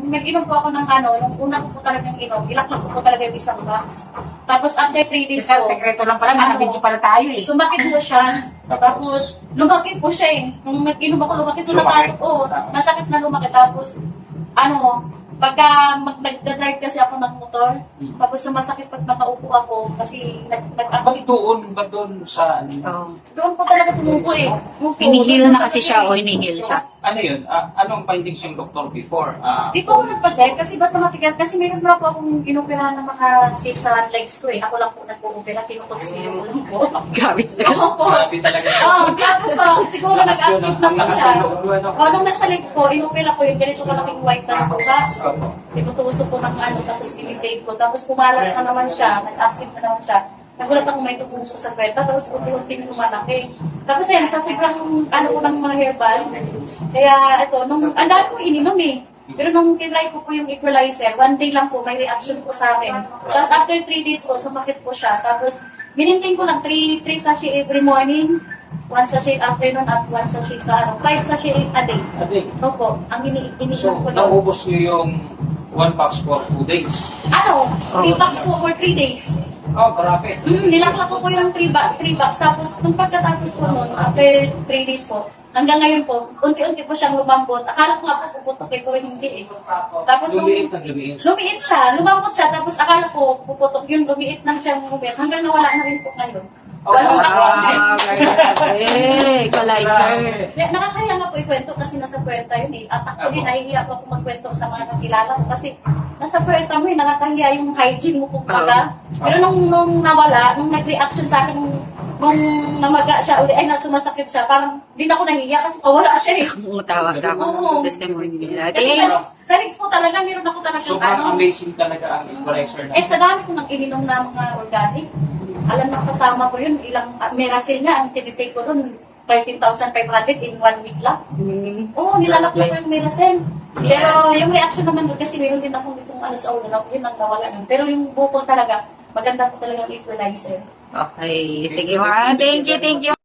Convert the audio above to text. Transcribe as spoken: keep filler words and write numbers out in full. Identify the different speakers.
Speaker 1: nag-inom po ako ng ano, nung una ko po talagang inom, ilaklak ko po talaga yung isang box. Tapos after three days
Speaker 2: Sa
Speaker 1: po,
Speaker 2: sekreto lang pala,
Speaker 1: Ano?
Speaker 2: nakabidyo pala tayo eh.
Speaker 1: sumakit po siya. Tapos, lumaki po siya eh. Nung nag-inom ako, lumaki. So,
Speaker 3: Lumaki?
Speaker 1: natato, oh, masakit na lumaki. Tapos, ano, pagka mag- nag-drive kasi ako ng motor, tapos sumasakit pag nakaupo ako, kasi nag nag
Speaker 3: Ba't doon, ba't doon sa, ano,
Speaker 4: Oh.
Speaker 1: doon po talaga tumupo eh. Yung
Speaker 4: Hinihil
Speaker 1: doon
Speaker 4: na
Speaker 1: po
Speaker 4: kasi
Speaker 1: talaga
Speaker 4: siya,
Speaker 1: eh.
Speaker 4: o hinihil siya.
Speaker 3: ano yun? Ah, anong findings yung doktor before? Ah,
Speaker 1: Di ko ako nagpa-check kasi basta matigas. Kasi meron na po akong inoperahan ng mga cyst sa legs ko eh. Ako lang po nag-opera, tinutugs ko yung ulo ko.
Speaker 4: Grabe talaga.
Speaker 1: Oo po.
Speaker 3: grabe talaga.
Speaker 1: Oo, tapos parang siguro
Speaker 3: Lakas yun,
Speaker 1: nag-active
Speaker 3: ang
Speaker 1: na po
Speaker 3: lakas
Speaker 1: siya.
Speaker 3: ng loob mo, ano?
Speaker 1: O, nung nasa legs ko, inopera ko yung ganito kalaking white na buka.
Speaker 3: Opo.
Speaker 1: Tinutusok ko ng ano, tapos pinitake ko. Tapos pumalat na naman siya, nag-active na naman siya. Nagulat ako may tumusok sa kweta, tapos unti-unting lumalaki. Tapos ayun, sa sobrang ano ko ng mga herbal. Kaya ito, nung, ang dami ko ininom eh. Pero nung tinry ko po yung equalizer, one day lang po, may reaction po sa akin. Tapos after three days po, sumakit po siya. Tapos, minintain ko lang three, three sachet every morning, one sachet afternoon, at one sachet sa ano, five sachet a day.
Speaker 3: Ate,
Speaker 1: Opo, ang ini
Speaker 3: so,
Speaker 1: ininom ko doon.
Speaker 3: naubos niyo yung one box for two days.
Speaker 1: Ano, three
Speaker 4: Oo.
Speaker 1: packs po for three days.
Speaker 3: Oh, grabe.
Speaker 1: Mm, nilaklak ko po yung three, ba three bucks. Tapos, nung pagkatapos ko nun, after three days po, hanggang ngayon po, unti-unti po siyang lumambot. Akala ko nga po puputok eh, pero hindi eh. Tapos, nung
Speaker 3: Lumiit na lumiit.
Speaker 1: lumiit siya, lumambot siya, tapos akala ko puputok yung lumiit lang siyang lumit, hanggang nawala na rin po ngayon.
Speaker 3: Oh,
Speaker 1: Walang
Speaker 3: wow.
Speaker 1: accident.
Speaker 4: Eh, equalizer.
Speaker 1: Yeah, nakakaya nga po ikwento kasi nasa puwerta yun eh. At actually, nahihiya po ako magkwento sa mga kakilala ko kasi nasa puwerta mo eh, nakakahiya yung hygiene mo kumbaga. Pero nung, nung nawala, nung nag-reaction sa akin, nung, nung namaga siya uli, ay nasumasakit siya, parang di na ako nahihiya kasi pawala siya eh.
Speaker 4: Tawag ako
Speaker 1: Oo.
Speaker 4: ng testimony nila.
Speaker 1: Kasi
Speaker 4: Ate,
Speaker 1: sa legs, sa legs po talaga, meron ako talagang
Speaker 3: Sobrang
Speaker 1: ano.
Speaker 3: amazing talaga ang equalizer na.
Speaker 1: Eh, sa dami ko nang ininom na mga organic, alam na kasama ko yun, ilang uh, Merasil nga, ang tinitake ko doon, thirteen thousand five hundred in one week lang.
Speaker 4: mm,
Speaker 1: Oo, nilalak ko yung Merasil. Pero yung reaction naman doon, kasi meron din akong itong ano sa ulo, na yun ang nawala nun. Pero yung bukol talaga, maganda po talaga ang equalizer.
Speaker 4: okay. Sige, ma. Thank you, thank you.